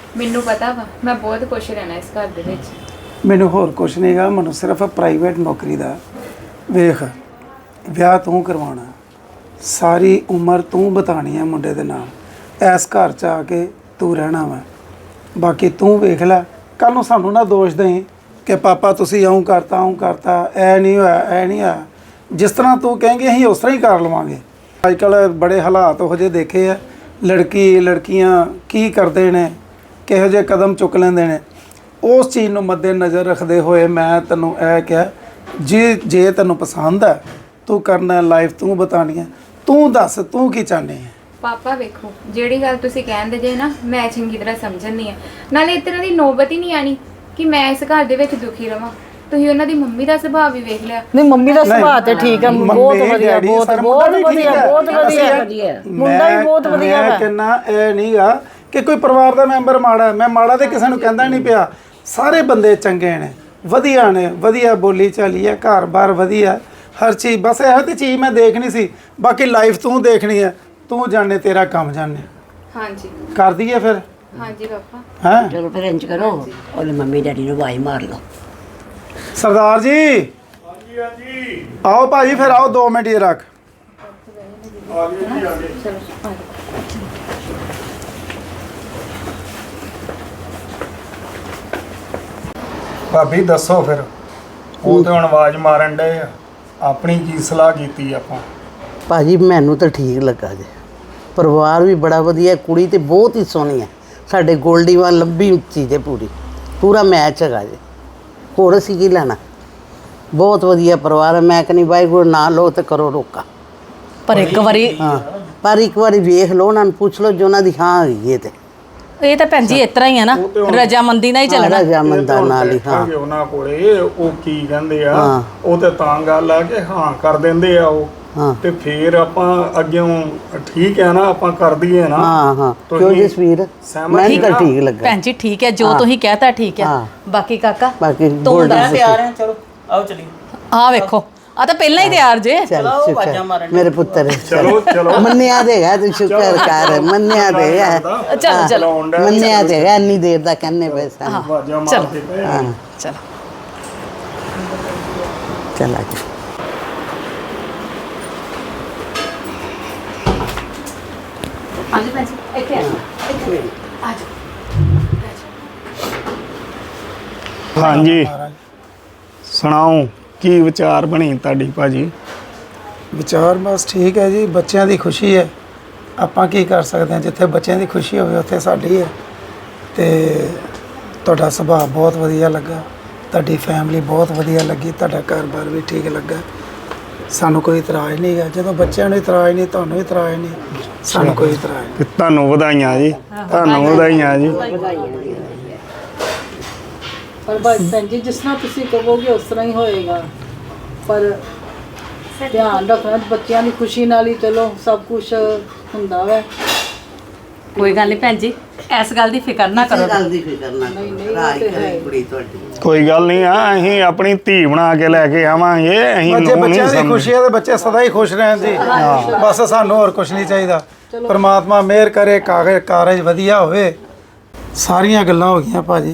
ਮੈਨੂੰ ਪਤਾ ਵਾ ਮੈਂ ਬਹੁਤ ਖੁਸ਼ ਰਹਿਣਾ ਇਸ ਘਰ ਦੇ ਵਿੱਚ।
ਮੈਨੂੰ ਹੋਰ ਕੁਛ ਨਹੀਂਗਾ, ਮੈਨੂੰ ਸਿਰਫ ਪ੍ਰਾਈਵੇਟ ਨੌਕਰੀ ਦਾ। ਵੇਖ, ਵਿਆਹ ਤੂੰ ਕਰਵਾਉਣਾ, ਸਾਰੀ ਉਮਰ ਤੂੰ ਬਿਤਾਣੀ ਹੈ ਮੁੰਡੇ ਦੇ ਨਾਲ। ਇਸ ਘਰ 'ਚ ਆ ਕੇ ਤੂੰ ਰਹਿਣਾ ਵਾ। ਬਾਕੀ ਤੂੰ ਵੇਖ ਲੈ, ਕੱਲ ਨੂੰ ਸਾਨੂੰ ਨਾ ਦੋਸ਼ ਦੇਈਂ ਕਿ ਪਾਪਾ ਤੁਸੀਂ ਇਉਂ ਕਰਤਾ ਇਉਂ ਕਰਤਾ, ਐ ਨਹੀਂ ਹੋਇਆ ਐ ਨਹੀਂ ਹੋਇਆ। ਜਿਸ ਤਰ੍ਹਾਂ ਤੂੰ ਕਹੇਂਗੇ ਅਸੀਂ ਉਸ ਤਰ੍ਹਾਂ ਹੀ ਕਰ ਲਵਾਂਗੇ। ਅੱਜ ਕੱਲ੍ਹ ਬੜੇ ਹਾਲਾਤ ਉਹੋ ਜਿਹੇ ਦੇਖੇ ਆ, ਲੜਕੀ ਲੜਕੀਆਂ ਕੀ ਕਰਦੇ ਨੇ, ਕਿਹੋ ਜਿਹੇ ਕਦਮ ਚੁੱਕ ਲੈਂਦੇ ਨੇ। ਉਸ ਚੀਜ਼ ਨੂੰ ਮੱਦੇ ਨਜ਼ਰ ਰੱਖਦੇ ਹੋਏ ਮੈਂ ਤੈਨੂੰ ਇਹ ਕਿਹਾ, ਜੇ ਜੇ ਤੈਨੂੰ ਪਸੰਦ ਹੈ ਤੂੰ ਕਰਨਾ, ਲਾਈਫ ਤੂੰ ਬਿਤਾਉਣੀ ਹੈ, ਤੂੰ ਦੱਸ ਤੂੰ ਕੀ ਚਾਹੁੰਦੀ ਹੈ।
ਪਾਪਾ ਵੇਖੋ, ਜਿਹੜੀ ਗੱਲ ਤੁਸੀਂ ਕਹਿੰਦੇ ਜੇ ਨਾ ਮੈਂ ਚੰਗੀ ਤਰ੍ਹਾਂ ਸਮਝਣੀ ਆ। ਨਾਲੇ ਇਸ ਤਰ੍ਹਾਂ ਦੀ ਨੌਬਤ ਹੀ ਨਹੀਂ ਆਣੀ ਕਿ ਮੈਂ ਇਸ ਘਰ ਦੇ ਵਿੱਚ ਦੁਖੀ ਰਵਾਂ। ਤੁਸੀਂ ਉਹਨਾਂ ਦੀ ਮੰਮੀ ਦਾ ਸੁਭਾਅ ਵੀ ਵੇਖ ਲਿਆ।
ਨਹੀਂ ਮੰਮੀ ਦਾ ਸੁਭਾਅ ਤੇ ਠੀਕ ਹੈ,
ਮੰਮੀ,
ਬਹੁਤ ਵਧੀਆ,
ਡੈਡੀ,
ਬਹੁਤ
ਸਰ,
ਬਹੁਤ
ਮੁੰਡਾ ਵੀ
ਵਧੀਆ,
ਠੀਕ ਹੈ।
ਬਹੁਤ ਵਧੀਆ,
ਅਸੀਂ-
ਮੁੰਡਾ ਵੀ ਬਹੁਤ ਵਧੀਆ
ਮੈਂ
ਹੈ।
ਕਹਿੰਦਾ ਇਹ ਨਹੀਂਗਾ ਕਿ ਕੋਈ ਪਰਿਵਾਰ ਦਾ ਮੈਂਬਰ ਮਾੜਾ ਹੈ। ਮੈਂ ਮਾੜਾ ਤੇ ਕਿਸੇ ਨੂੰ ਕਹਿੰਦਾ ਨਹੀਂ ਪਿਆ। ਸਾਰੇ ਬੰਦੇ ਚੰਗੇ ਨੇ, ਵਧੀਆ ਨੇ, ਵਧੀਆ ਬੋਲੀ ਚਾਲੀ ਹੈ, ਘਰ-ਬਾਰ ਵਧੀਆ, ਹਰ ਚੀਜ਼। ਬਸ ਇਹੋ ਜਿਹੀ ਚੀਜ਼ ਮੈਂ ਦੇਖਣੀ ਸੀ। ਬਾਕੀ ਲਾਈਫ ਤੂੰ ਦੇਖਣੀ ਹੈ, ਤੂੰ ਜਾਣੇ, ਤੇਰਾ ਕੰਮ ਜਾਣੇ।
ਹਾਂਜੀ
ਕਰ ਦਈਏ ਫਿਰ?
ਹਾਂਜੀ ਪਾਪਾ।
ਹੈਂ
ਚਲੋ ਫਿਰ ਇੰਜ ਕਰੋ, ਉਹਨੇ ਮੰਮੀ ਡੈਡੀ ਨੂੰ ਆਵਾਜ਼ ਮਾਰ ਲਓ।
ਸਰਦਾਰ ਜੀ, ਹਾਂਜੀ ਹਾਂਜੀ, ਆਓ ਭਾਜੀ, ਫਿਰ ਆਓ ਦੋ ਮਿੰਟ ਹੀ ਰੱਖ। ਭਾਬੀ ਦੱਸੋ ਫਿਰ, ਉਹ ਤੇ ਹੁਣ ਆਵਾਜ਼ ਮਾਰਨ ਡਏ ਆ, ਆਪਣੀ ਕੀ ਸਲਾਹ ਕੀਤੀ ਆਪਾਂ?
ਭਾਜੀ ਮੈਨੂੰ ਤਾਂ ਠੀਕ ਲੱਗਾ ਜੇ, ਪਰਿਵਾਰ ਵੀ ਬੜਾ ਵਧੀਆ, ਕੁੜੀ ਤੇ ਬਹੁਤ ਹੀ ਸੋਹਣੀ ਹੈ, ਸਾਡੇ ਗੋਲਡੀ ਵਾਲ ਲੰਬੀ ਉੱਚੀ ਜੇ, ਪੂਰੀ ਪੂਰਾ ਮੈਚ ਹੈਗਾ ਜੇ। ਹੋਰ ਅਸੀਂ ਕੀ ਲੈਣਾ, ਬਹੁਤ ਵਧੀਆ ਪਰਿਵਾਰ ਹੈ। ਮੈਂ ਕਹਿੰਦੀ ਵਾਹਿਗੁਰੂ ਨਾ ਲਓ ਤੇ ਕਰੋ ਰੋਕਾ।
ਪਰ ਇੱਕ ਵਾਰੀ
ਹਾਂ, ਪਰ ਇੱਕ ਵਾਰੀ ਵੇਖ ਲਓ, ਉਹਨਾਂ ਨੂੰ ਪੁੱਛ ਲਓ, ਜੋ ਉਹਨਾਂ ਦੀ ਹਾਂ ਹੈਗੀ ਹੈ ਤੇ
ਇਹ ਤਾਂ ਭੈਣ ਜੀ ਇਸ ਤਰ੍ਹਾਂ ਹੀ ਆ ਨਾ, ਰਜਾਮੰਦੀ ਨਾਲ ਹੀ ਚੱਲਣਾ।
ਰਜਾਮੰਦਾਂ ਨਾਲ ਹੀ। ਹਾਂ,
ਉਹਨਾਂ ਕੋਲੇ ਉਹ ਕੀ ਕਹਿੰਦੇ ਆ,
ਹਾਂ।
ਉਹ ਤੇ ਤਾਂ ਗੱਲ ਆ ਕਿ ਹਾਂ ਕਰ ਦਿੰਦੇ ਆ ਉਹ,
ਹਾਂ
ਤੇ ਫਿਰ ਆਪਾਂ ਅੱਗਿਓਂ ਠੀਕ ਹੈ ਨਾ, ਆਪਾਂ ਕਰ ਦਈਏ ਨਾ।
ਹਾਂ ਹਾਂ ਕਿਉਂ
ਤੁਸੀਂ
ਜਸਵੀਰ,
ਸਹਿਮਤ
ਮੈਂ
ਜੀ
ਤਾਂ
ਨਾ?
ਠੀਕ ਲੱਗਾ।
ਭੈਣ ਜੀ ਠੀਕ ਹੈ, ਜੋ ਤੁਸੀਂ ਕਹਿਤਾ ਠੀਕ ਹੈ।
ਹਾਂ।
ਬਾਕੀ ਕਾਕਾ
ਬਾਕੀ
ਤੂੰ
ਗੋਲਡੀ
ਦੱਸ।
ਤਿਆਰ ਹੈ, ਚਲੋ ਆਓ ਚਲੀਏ।
ਆਹ ਵੇਖੋ, ਆ ਤਾਂ ਪਹਿਲਾਂ ਹੀ ਤਿਆਰ ਜੇ।
ਚੱਲ ਸ਼ੁਕਰ ਮੇਰੇ ਪੁੱਤਰ,
ਚਲੋ ਚਲੋ
ਮੰਨਿਆ ਦੇਗਾ ਤੂੰ, ਸ਼ੁਕਰ ਕਰ, ਮੰਨਿਆ ਦੇਗਾ।
ਚਲੋ ਚਲੋ
ਮੰਨਿਆ ਦੇਗਾ, ਇੰਨੀ ਦੇਰ ਦਾ ਕਹਿੰਨੇ ਪਏ ਸਨ।
ਆਵਾਜ਼ਾਂ ਮਾਰ
ਚਲੋ।
ਕੇ ਪਏ ਆ।
ਹਾਂ
ਚਲੋ
ਚੱਲ ਆ ਜਾ।
ਆਜੋ ਭੈਣ ਜੀ, ਇੱਥੇ ਆ ਇੱਥੇ ਆ ਜਾਓ।
ਹਾਂਜੀ, ਸੁਣਾਓ ਕੀ ਵਿਚਾਰ ਬਣੀ ਤੁਹਾਡੀ ਭਾਜੀ?
ਵਿਚਾਰ ਬਸ ਠੀਕ ਹੈ ਜੀ, ਬੱਚਿਆਂ ਦੀ ਖੁਸ਼ੀ ਹੈ, ਆਪਾਂ ਕੀ ਕਰ ਸਕਦੇ ਹਾਂ। ਜਿੱਥੇ ਬੱਚਿਆਂ ਦੀ ਖੁਸ਼ੀ ਹੋਵੇ ਉੱਥੇ ਸਾਡੀ ਹੈ। ਤੇ ਤੁਹਾਡਾ ਸੁਭਾਅ ਬਹੁਤ ਵਧੀਆ ਲੱਗਾ, ਤੁਹਾਡੀ ਫੈਮਿਲੀ ਬਹੁਤ ਵਧੀਆ ਲੱਗੀ, ਤੁਹਾਡਾ ਘਰ-ਬਾਰ ਵੀ ਠੀਕ ਲੱਗਾ, ਸਾਨੂੰ ਕੋਈ ਇਤਰਾਜ਼ ਨਹੀਂ ਹੈ। ਜਦੋਂ ਬੱਚਿਆਂ ਨੂੰ ਇਤਰਾਜ਼ ਨਹੀਂ, ਤੁਹਾਨੂੰ ਇਤਰਾਜ਼ ਨਹੀਂ, ਸਾਨੂੰ ਕੋਈ ਇਤਰਾਜ਼ ਨਹੀਂ।
ਤੇ ਤੁਹਾਨੂੰ ਵਧਾਈਆਂ ਜੀ, ਤੁਹਾਨੂੰ ਵਧਾਈਆਂ ਜੀ।
ਪਰ ਬਸ ਭੈਣ ਜੀ, ਜਿਸ ਤਰ੍ਹਾਂ ਤੁਸੀਂ ਕਹੋਗੇ ਉਸ ਤਰ੍ਹਾਂ ਹੀ ਹੋਏਗਾ। ਪਰ ਧਿਆਨ ਰੱਖਣਾ, ਬੱਚਿਆਂ ਦੀ ਖੁਸ਼ੀ ਨਾਲ ਹੀ ਚਲੋ ਸਭ ਕੁਝ ਹੁੰਦਾ ਵੈ।
ਕੋਈ ਗੱਲ ਨਹੀਂ ਭੈਣ ਜੀ, ਇਸ ਗੱਲ ਦੀ ਫਿਕਰ ਨਾ ਕਰੋ।
ਗੱਲ ਦੀ ਫਿਕਰ ਨਾ ਕਰੋ, ਰਾਜ ਕਰੇ ਕੁੜੀ ਤੁਹਾਡੀ।
ਕੋਈ ਗੱਲ ਨਹੀਂ ਆ, ਅਸੀਂ ਆਪਣੀ ਧੀ ਬਣਾ ਕੇ ਲੈ ਕੇ ਆਵਾਂਗੇ। ਅਸੀਂ
ਬੱਚੇ
ਨੂੰ ਨਹੀਂ
ਬੱਚਿਆਂ ਦੀ
ਸਮਝ
ਖੁਸ਼ੀ ਹੈ ਤੇ ਬੱਚੇ ਸਦਾ ਹੀ ਖੁਸ਼ ਰਹਿਣ ਜੀ। ਬਸ ਸਾਨੂੰ ਹੋਰ ਕੁਝ ਨਹੀਂ ਚਾਹੀਦਾ। ਪਰਮਾਤਮਾ ਮਿਹਰ ਕਰੇ, ਕਾਗਜ਼ ਕਾਰਜ ਵਧੀਆ ਹੋਵੇ। ਸਾਰੀਆਂ ਗੱਲਾਂ ਹੋ ਗਈਆਂ ਭਾਜੀ।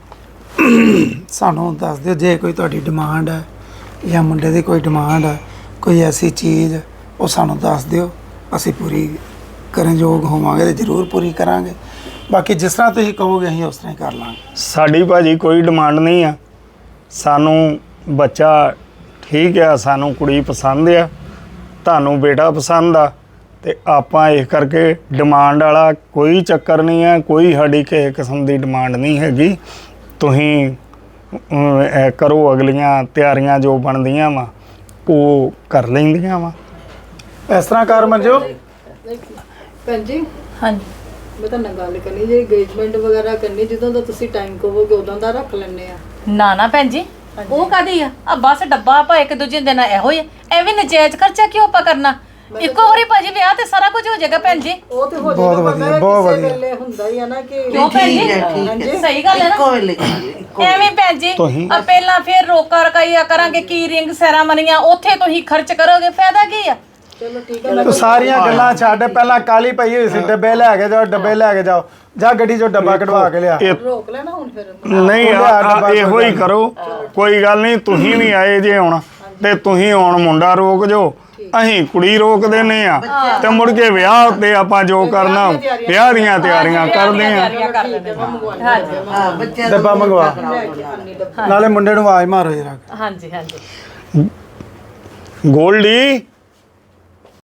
ਸਾਨੂੰ ਦੱਸ ਦਿਓ ਜੇ ਕੋਈ ਤੁਹਾਡੀ ਡਿਮਾਂਡ ਹੈ ਜਾਂ ਮੁੰਡੇ ਦੀ ਕੋਈ ਡਿਮਾਂਡ ਹੈ, ਕੋਈ ਐਸੀ ਚੀਜ਼, ਉਹ ਸਾਨੂੰ ਦੱਸ ਦਿਓ, ਅਸੀਂ ਪੂਰੀ ਕਰਨ ਯੋਗ ਹੋਵਾਂਗੇ ਤੇ ਜ਼ਰੂਰ ਪੂਰੀ ਕਰਾਂਗੇ। ਬਾਕੀ ਜਿਸ ਤਰ੍ਹਾਂ ਤੁਸੀਂ ਕਹੋਗੇ ਅਸੀਂ ਉਸ ਤਰ੍ਹਾਂ ਹੀ ਕਰ ਲਾਂਗੇ।
ਸਾਡੀ ਭਾਜੀ ਕੋਈ ਡਿਮਾਂਡ ਨਹੀਂ ਆ। ਸਾਨੂੰ ਬੱਚਾ ਠੀਕ ਆ, ਸਾਨੂੰ ਕੁੜੀ ਪਸੰਦ ਆ, ਤੁਹਾਨੂੰ ਬੇਟਾ ਪਸੰਦ ਆ, ਤੇ ਆਪਾਂ ਇਸ ਕਰਕੇ ਡਿਮਾਂਡ ਵਾਲਾ ਕੋਈ ਚੱਕਰ ਨਹੀਂ ਆ। ਕੋਈ ਸਾਡੀ ਕਿਸੇ ਕਿਸਮ ਦੀ ਡਿਮਾਂਡ ਨਹੀਂ ਹੈਗੀ। ਤੁਸੀਂ ਅਮ, ਇਹ ਕਰੋ, ਅਗਲੀਆਂ ਤਿਆਰੀਆਂ ਜੋ ਬਣਦੀਆਂ ਵਾ ਉਹ ਕਰ ਲੈਂਦੀਆਂ ਵਾ।
ਇਸ ਤਰ੍ਹਾਂ ਕਰ ਮੰਜੋ।
ਭੈਣ ਜੀ,
ਹਾਂਜੀ
ਮੈਂ ਤਾਂ ਨਾਲ ਗੱਲ ਕਰਨੀ, ਜੇ ਇੰਗੇਜਮੈਂਟ ਵਗੈਰਾ ਕਰਨੀ, ਜਦੋਂ ਦਾ ਤੁਸੀਂ ਟਾਈਮ ਕਹੋਗੇ ਉਦੋਂ ਦਾ ਰੱਖ ਲੈਣੇ ਆ।
ਨਾ ਨਾ ਭੈਣ ਜੀ, ਉਹ ਕਾਦੀ ਆ? ਆ ਬਸ ਡੱਬਾ ਆਪਾਂ ਇੱਕ ਦੂਜੇ ਦੇ ਨਾਲ ਇਹੋ ਹੀ ਆ। ਐਵੇਂ ਨਜਾਇਜ਼ ਖਰਚਾ ਕਿਉਂ ਆਪਾਂ ਕਰਨਾ? ਇੱਕੋ ਵਾਰੀ ਭਾਜੀ ਵਿਆਹ ਤੇ ਸਾਰਾ ਕੁਝ ਹੋ ਜਾਏਗਾ ਭੈਣ ਜੀ।
ਉਹ ਤੇ ਹੋ
ਬਹੁਤ
ਜਾਏਗਾ,
ਵਧੀਆ,
ਪਰ
ਬਹੁਤ
ਕਿਸੇ
ਵਧੀਆ।
ਵੇਲੇ ਹੁੰਦਾ ਹੀ ਆ ਨਾ ਕਿ
ਕਿਉਂ ਭੈਣ ਜੀ?
ਠੀਕ ਹੈ, ਠੀਕ ਹੈ।
ਸਹੀ ਗੱਲ ਹੈ ਨਾ।
ਇੱਕੋ ਵੇਲੇ ਕਰਾਂਗੇ, ਇੱਕੋ
ਐਵੇਂ ਭੈਣ ਜੀ,
ਤੁਸੀਂ-
ਆ ਪਹਿਲਾਂ ਫਿਰ ਰੋਕਾ ਰਕਾਈਆ ਕਰਾਂਗੇ, ਕੀ ਰਿੰਗ ਸੈਰਾਮਨੀਆਂ, ਉੱਥੇ ਤੁਸੀਂ ਖਰਚ ਕਰੋਗੇ, ਫਾਇਦਾ ਕੀ ਆ?
ਚਲੋ ਠੀਕ ਹੈ
ਤੂੰ ਸਾਰੀਆਂ ਗੱਲਾਂ ਛੱਡ, ਪਹਿਲਾਂ ਕਾਲੀ ਪਈ ਹੋਈ ਸੀ ਡੱਬੇ ਲੈ ਕੇ ਜਾਓ, ਡੱਬੇ ਲੈ ਕੇ ਜਾਓ, ਜਾ ਗੱਡੀ ਚੋਂ ਡੱਬਾ ਕਢਵਾ ਕੇ ਲਿਆ।
ਇਹ
ਰੋਕ ਲੈਣਾ ਹੁਣ ਫਿਰ
ਨਹੀਂ ਆ- ਆ- ਇਹੋ ਹੀ ਕਰੋ, ਕੋਈ ਗੱਲ ਨਹੀਂ। ਤੁਸੀਂ ਵੀ ਆਏ ਜੇ ਹੁਣ ਤੇ ਤੁਸੀਂ ਹੁਣ ਮੁੰਡਾ ਰੋਕ ਜੋ, ਅਸੀਂ ਕੁੜੀ ਰੋਕ ਦਿੰਨੇ ਆ ਤੇ ਮੁੜ ਕੇ ਵਿਆਹ ਉੱਤੇ ਆਪਾਂ ਜੋ ਕਰਨਾ ਵਿਆਹ ਦੀਆਂ ਤਿਆਰੀਆਂ ਕਰਦੇ ਆ।
ਡੱਬਾ ਮੰਗਵਾ, ਨਾਲੇ ਮੁੰਡੇ ਨੂੰ ਆਵਾਜ਼ ਮਾਰੋ ਜਰਾ।
ਹਾਂਜੀ ਹਾਂਜੀ
ਗੋਲਡੀ